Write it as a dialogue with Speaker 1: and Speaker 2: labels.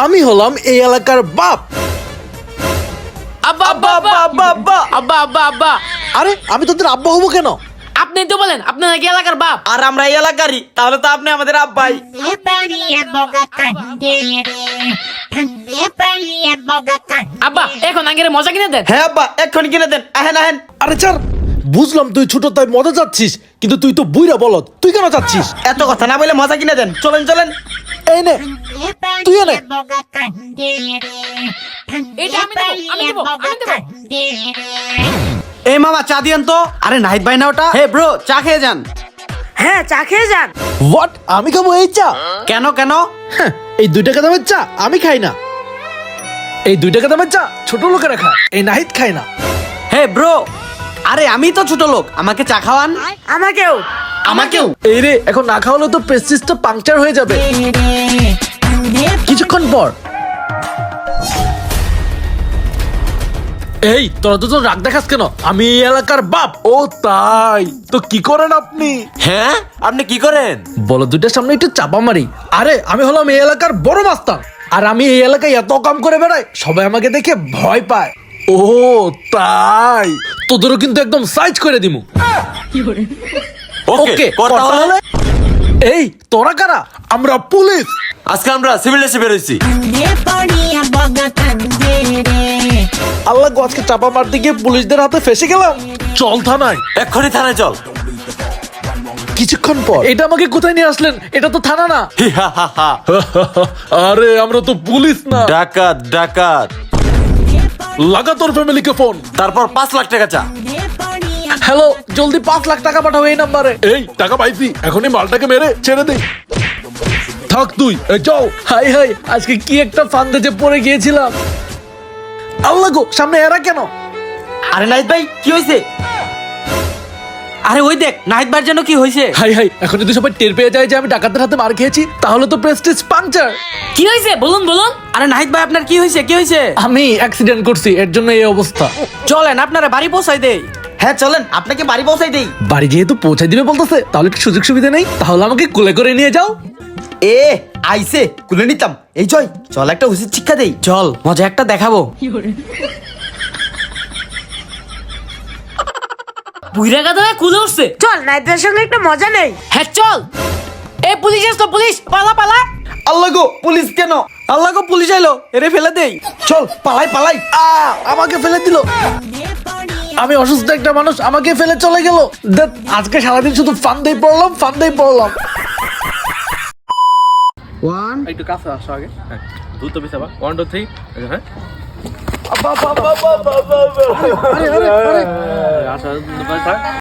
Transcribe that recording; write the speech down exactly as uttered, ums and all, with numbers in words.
Speaker 1: আমি হলাম এই এলাকার বাপ।
Speaker 2: আব্বা আব্বা আব্বা আব্বা আব্বা আব্বা আব্বা আব্বা
Speaker 1: আরে আমি তোদের আব্বা হবো কেন?
Speaker 2: আপনি তো বলেন আপনি নাকি এলাকার বাপ।
Speaker 3: আর আমরা এই এলাকারই, তাহলে তো আপনি আমাদের আব্বাই।
Speaker 2: আব্বা এখন আগের মজা কিনে দেন।
Speaker 3: হ্যাঁ আব্বা, এক্ষুনি কিনে দেন। আহেন আহেন।
Speaker 1: আরে ছাড়, বুঝলাম তুই ছোট তাই মজা চাচ্ছিস, কিন্তু তুই তো বুইরা বলত, তুই কেন চাচ্ছিস?
Speaker 3: এত কথা না বলে মজা কিনে দেন। চলেন চলেন।
Speaker 1: এই নে, তুই এনে।
Speaker 2: এটা আমি দেবো, আমি দেবো, আমি দেবো।
Speaker 3: এই মামা চা দিয়েন তো। আরে নাহিদ ভাই না ওটা? হে ব্রো, চা খেয়ে যান।
Speaker 4: হ্যাঁ চা খেয়ে যান।
Speaker 1: হোয়াট? আমি খাবো এই চা?
Speaker 3: কেন কেন?
Speaker 1: হ্যাঁ, এই দুই টাকা দামের চা আমি খাই না। এই দুই টাকা দামের চা ছোট লোকেরা খায়, এই নাহিদ খায় না।
Speaker 3: হে ব্রো, আরে আমি তো ছোট লোক, আমাকে চা খাওয়ান।
Speaker 4: আমাকেও।
Speaker 3: আমাকেও।
Speaker 1: এই রে, এখন না খাওয়ালে তো প্রেস্টিজটা পাংচার হয়ে যাবে। কিছুক্ষণ পর, এই তোরা দুজন রাগ দেখাস কেন? আমি এই এলাকার বাপ। ও তাই তো, কি করেন আপনি?
Speaker 5: হ্যাঁ, আপনি কি করেন?
Speaker 1: বলো দুইটার সামনে একটু চাপা মারি। আরে আমি হলাম এই এলাকার বড় মাস্টার, আর আমি এই এলাকায় এত কাম করে বেড়াই, সবাই আমাকে দেখে ভয় পায়। ও তাই, তোদেরও কিন্তু একদম সাইজ করে দিমু।
Speaker 5: ওকে,
Speaker 1: ওকে,
Speaker 5: কর তাহলে।
Speaker 1: এই তোরা কারা? আমরা পুলিশ।
Speaker 5: আজকে আমরা সিভিল ড্রেসে বের হইছি।
Speaker 1: আল্লাহ গো, আজকে চাপা মারতে গিয়ে পুলিশদের হাতে ফেসে গেলাম। চল থানায়।
Speaker 5: এক্ষুনি থানায় চল।
Speaker 1: কিছুক্ষণ পর, এটা আমাকে কোথায় নিয়ে আসলেন? এটা তো থানা না।
Speaker 5: হি হা হা হা।
Speaker 1: আরে আমরা তো পুলিশ না।
Speaker 5: ডাকাত ডাকাত।
Speaker 1: লাগা তোর ফ্যামিলিকে ফোন।
Speaker 5: তারপর পাঁচ লাখ টাকা চা।
Speaker 1: হ্যালো, জলদি পাঁচ লাখ টাকা পাঠাও এই নাম্বারে। এই টাকা পাইছি, এখনই মালটাকে মেরে ছেড়ে দে। থাক তুই, এই চল। হাই হাই, আজকে কি একটা ফান্দে যে পড়ে গিয়েছিলাম। আল্লাহ গো, সামনে এরা কেন?
Speaker 3: আরে নাহিদ ভাই, কি হয়েছে? আরে ওই দেখ, নাহিদ ভাইয়ের জন্য কি হয়েছে?
Speaker 1: হাই হাই, এখন যদি সবাই টের পেয়ে যায় যে আমি ডাকাতের হাতে মার খেয়েছি, তাহলে তো প্রেস্টিজ পাংচার।
Speaker 2: কি হয়েছে বলুন বলুন।
Speaker 3: আরে নাহিদ ভাই, আপনার কি হয়েছে? কি হয়েছে?
Speaker 1: আমি অ্যাক্সিডেন্ট করছি, এর জন্য এই অবস্থা।
Speaker 3: চলেন আপনারা বাড়ি পৌঁছাই দেই। হ্যাঁ চলেন, আপনাকে বাড়ি পৌঁছাই দেই।
Speaker 1: বাড়ি যেহেতু পৌঁছাই দিবে বলতেছে, তাহলে একটু সুযোগ সুবিধা নেই? তাহলে আমাকে কোলে করে নিয়ে যাও।
Speaker 3: এ আইসে কুলে নিতাম। এই জয়, চল একটা উচিত শিক্ষা দেই। চল, মজা একটা দেখাবো।
Speaker 2: বুইরা গাদা কুলে উঠছে।
Speaker 4: চল নাইদের সঙ্গে একটা মজা নেই।
Speaker 2: হ্যাঁ চল। এই পুলিশ আসতো, পুলিশ পালা পালা।
Speaker 3: আল্লাহ গো, পুলিশ কেন? আল্লাহ গো, পুলিশ আইলো, এরে ফেলে দেই। চল পালাই পালাই।
Speaker 1: আ আমাকে ফেলে দিল। আমি অসুস্থ একটা মানুষ, আমাকে ফেলে চলে গেল। দেখ, আজকে সারাদিন শুধু ফান্দেই পড়লাম, ফান্দেই পড়লাম।
Speaker 3: ওয়ান
Speaker 6: একটু কাছে আসো আগে। হ্যাঁ, দ্রুত পিছাবা। One two three. হ্যাঁ,
Speaker 1: আরে আরে আরে,
Speaker 6: আসো,